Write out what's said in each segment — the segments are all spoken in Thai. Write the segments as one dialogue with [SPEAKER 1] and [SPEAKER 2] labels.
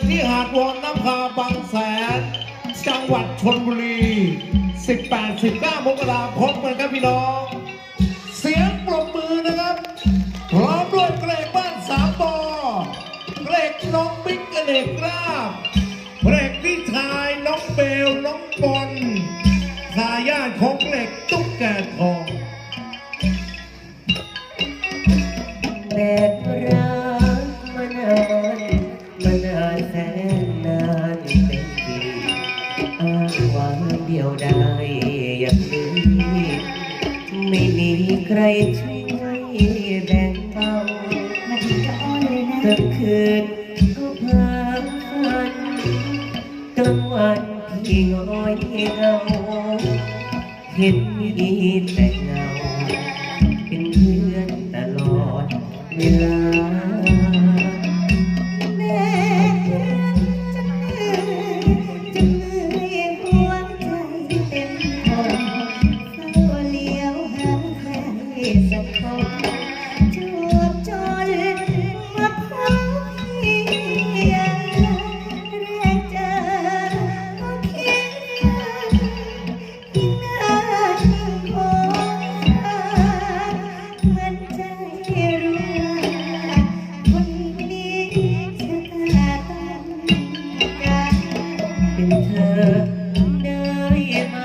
[SPEAKER 1] ที่หาดวอนน้ำพาบางแสนจังหวัดชลบุรี 18-19 มกราคมกันครับพี่น้องเสียงปรบมือนะครับพร้อมด้วยเกรกบ้านสามปอเกรกน้องบิ๊กเกรกลาบเกรกพี่ชายน้องเบลน้องบอลทายาทของเกรกตุ๊กแกทอง
[SPEAKER 2] แบกรักมานานแสนนานเป็นปีอ้างว้างเดียวได้อย่างนี้ไม่มีใครช่วยแบ่งเบานาทีจะอ้อนเลยนะกลางคืนก็พาฝันกลางวันที่ง้อยเหงาเห็นมีแต่เงาเป็นเพื่อนตลอดเวลาแม่จะเหนื่อยหัวใจเต็มทนเฝ้าเลี้ยวหาใครสักคนจวบจนมาพบพี่แรกเจอก็คิดที่น่าคงเหมือนใจรู้ว่าคนนี้ชะตาต้องการเป็นเธอได้ไหม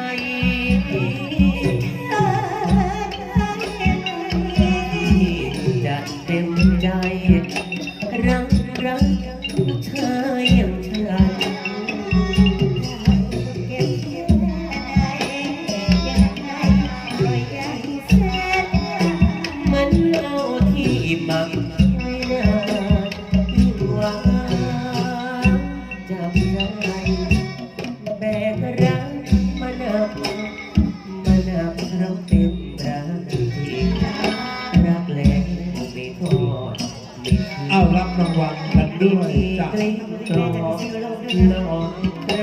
[SPEAKER 2] จะเต็มใจรักเธออย่างฉันเก็บเกี่ยวได้ยังไงก็ยังแสนมันเอาที่มักไม่นานยิ่งหวานจับใจแบกรักมานับเราเต็มรักจริงรักแรงไม่ทอดไม่ทิ้ง
[SPEAKER 1] เอารับรางวัลกันด้วยจาก
[SPEAKER 2] กลิ้งกลอกหลอกใคร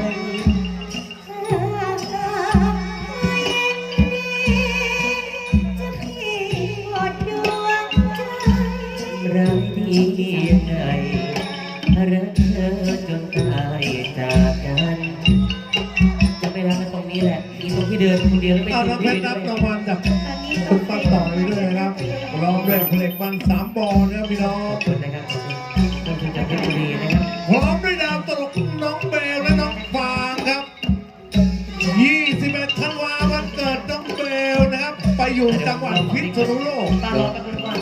[SPEAKER 2] รักที่ยังไงรักเธอจนตายจากกันจะไม่รักกันตรงนี้แหละอีตรงที่เดินคนเดียวแล้วไม่
[SPEAKER 1] เอา
[SPEAKER 2] ถึ
[SPEAKER 1] น้อง งเพ
[SPEAKER 2] ที่
[SPEAKER 1] ชร
[SPEAKER 2] ด้
[SPEAKER 1] รั
[SPEAKER 2] ว
[SPEAKER 1] บ
[SPEAKER 2] ย
[SPEAKER 1] รางวัลจากคุณป้าต่อยด้วยนะครับร้องด้วยเพลงมันสามบอลนะครับพี่น้อ
[SPEAKER 2] ข
[SPEAKER 1] ง
[SPEAKER 2] อบคุณนะครับขอบคุณจากเพชรบุรีนะครับ
[SPEAKER 1] พร้อมด้วยดาวตลกน้องเบลและน้องฟางครับ 21 ธันวาวันเกิดน้องเบลนะครับ ไปอยู่จังหวัดพิษณุโลก
[SPEAKER 2] ตารอกันก่อน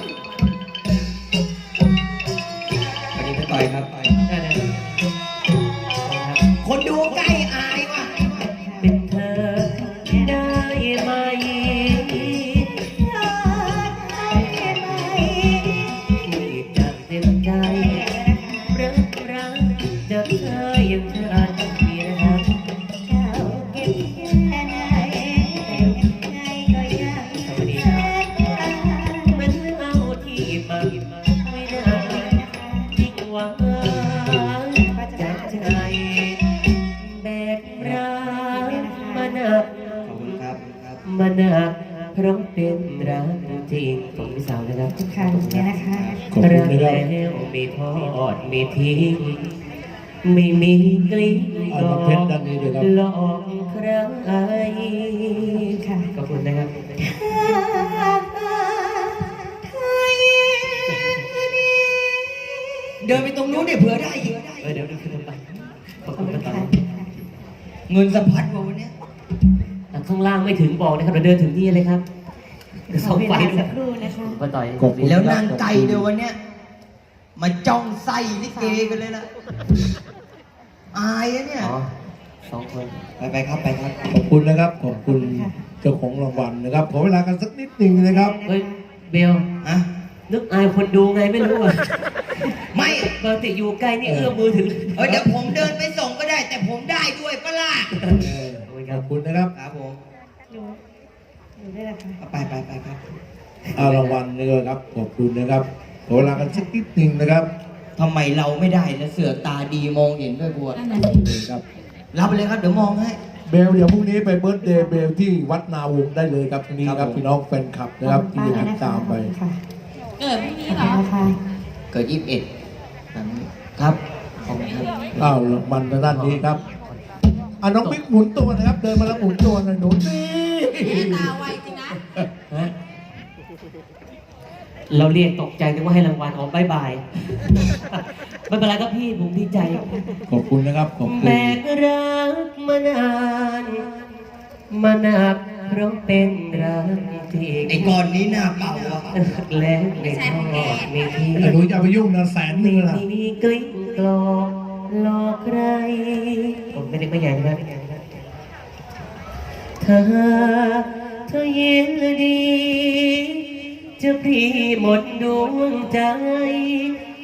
[SPEAKER 3] วันนี้พี่ต่อยครับ
[SPEAKER 2] ได้เลย
[SPEAKER 3] คนดูใกล้อายว่ะ
[SPEAKER 2] เป็นเธอได้ไหมที่จะเต็มใจรักจะเธออย่างฉันนี่นะครับสวัสดีครับมันเอาที่มาไม่ได้ยิ่งหวังจากใจแบกรักมานัก
[SPEAKER 3] ขอบคุณครับ
[SPEAKER 2] มานักเพราะเป็นรักจริงของพี่สาวนะครับ
[SPEAKER 4] ค่ะเนี่ยนะคะ
[SPEAKER 1] ขอบคุณ
[SPEAKER 2] รัก
[SPEAKER 1] นะครับ
[SPEAKER 2] แล้วไม่ทอดไม่ทิ้งไม่มีกลิ้ง
[SPEAKER 1] เอาน้องเพชรด้านนี้ด้วยครับ
[SPEAKER 2] หลอกใคร
[SPEAKER 4] ค่ะ
[SPEAKER 2] ขอบคุณนะครับ
[SPEAKER 3] เดินไปตรงนู้นเนี่ยเผื่อได้อีก
[SPEAKER 2] เดี๋ยวขึ้นไปขอบคุณนะครับ
[SPEAKER 3] เงินสะพัดกว่าวันเนี้ย
[SPEAKER 2] ข้างล่างไม่ถึงบอกนะครับเดี๋ยวเดินถึงที่เลยครับสองไฟ
[SPEAKER 4] สั
[SPEAKER 2] นะ
[SPEAKER 4] กครู่นะคะ
[SPEAKER 2] มาต่อย
[SPEAKER 1] ขอบคุณ
[SPEAKER 3] แล้วนางไก่เดี๋ยววันเนี้ยมาจ้องไส้ลิเกกันเลยล่ะ อายนะเนี่ย
[SPEAKER 2] อ๋อสองคน
[SPEAKER 3] ไปครับไปครับ
[SPEAKER 1] ขอบคุณนะครับ ขอบคุณเจ้าของรางวัลนะครับ ขอเวลากันสักนิดหนึ่งนะครับ
[SPEAKER 2] เฮ้ยเบล
[SPEAKER 3] ฮะ
[SPEAKER 2] นึกอายคนดูไงไม่รู้อ่ะ
[SPEAKER 3] ไม่
[SPEAKER 2] ปกติอยู่ใกล้นี่เอื้อมมือถึง
[SPEAKER 3] เดี๋ยวผมเดินไปส่งก็ได้ แต่ผมได้ด้วยปะล่ะ
[SPEAKER 1] ขอบคุณนะครับ
[SPEAKER 3] ครับผม
[SPEAKER 4] ดูได้เลยค่ะ
[SPEAKER 3] ไปครับ
[SPEAKER 1] เอารางวัลนี่เลยครับ ขอบคุณนะครับ ขอเวลากันสักนิดหนึ่งนะครับ
[SPEAKER 3] ทำไมเราไม่ได้แล้วเสือกตาดีมองเห็นด้วยบัว
[SPEAKER 4] นั่นน่ะสิ
[SPEAKER 1] ครับ
[SPEAKER 3] รับไปเลยครับเดี๋ยวมองให้
[SPEAKER 1] เบลเดี๋ยวพรุ่งนี้ไปเบิร์ธเดย์เบลที่วัดนาวงศ์ได้เลยครับตรงนี้ครับพี่น้องแฟนคลับนะครับที่จะติดตามไป
[SPEAKER 4] ค่ะ
[SPEAKER 5] เกิดพรุ่งนี้เหรอ
[SPEAKER 4] นะคะ
[SPEAKER 3] เกิด21ครับ
[SPEAKER 2] ขอบคุณครับ
[SPEAKER 1] อ้าวมันทางด้านนี้ครับน้องบิ๊กหมุนตัวนะครับ เดินมาแล้วหมุนตัวหน่อยหนูนี่
[SPEAKER 5] ตาไวจริงนะ
[SPEAKER 2] ฮะเราเรียกตกใจนึกว่าให้รางวัลอ๋อบายบาย ไม่เป็นไรครับพี่ผมดีใจ
[SPEAKER 1] ขอบคุณนะครับขอบคุณ
[SPEAKER 2] แบกรักมานานมานับเพราะเป็นรักที่
[SPEAKER 3] ไอ้ก่อนนี้หน้าเป่าอ่ะ
[SPEAKER 2] แล้วไม่ทอดไม่ทิ้ง
[SPEAKER 1] หนูอย่าไปยุ่งนะ100,000นึ
[SPEAKER 2] ไม่
[SPEAKER 1] งนะ
[SPEAKER 2] มีกลิ้งกลอกหลอกใครผมไม่ได้ไม่ใหญ่นะครับเธอเย็นดี จะพี่หมดดวงใจ